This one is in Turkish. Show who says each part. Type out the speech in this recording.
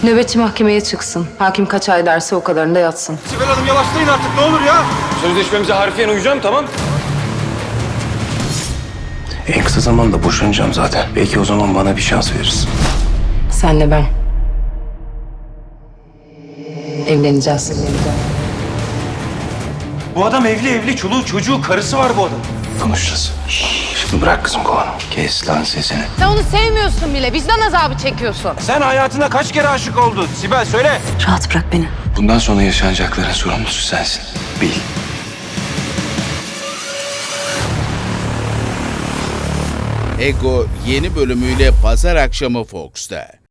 Speaker 1: Nöbetçi mahkemeye çıksın. Hakim kaç ay derse o kadarında yatsın.
Speaker 2: Sibel Hanım yavaşlayın artık ne olur ya.
Speaker 3: Sözleşmemize harfiyen uyacağım, tamam.
Speaker 4: En kısa zamanda boşanacağım zaten. Belki o zaman bana bir şans verirsin.
Speaker 1: Senle ben. Evleneceğiz.
Speaker 2: Bu adam evli, çoluğu çocuğu, karısı var bu adam.
Speaker 4: Konuşacağız. Şimdi bırak kızım kovanı. Kes lan sesini.
Speaker 5: Sen onu sevmiyorsun bile. Vicdan azabı çekiyorsun.
Speaker 2: Sen hayatında kaç kere aşık oldun Sibel söyle.
Speaker 1: Rahat bırak beni.
Speaker 4: Bundan sonra yaşanacakların sorumlusu sensin. Bil.
Speaker 6: Ego yeni bölümüyle pazar akşamı Fox'ta.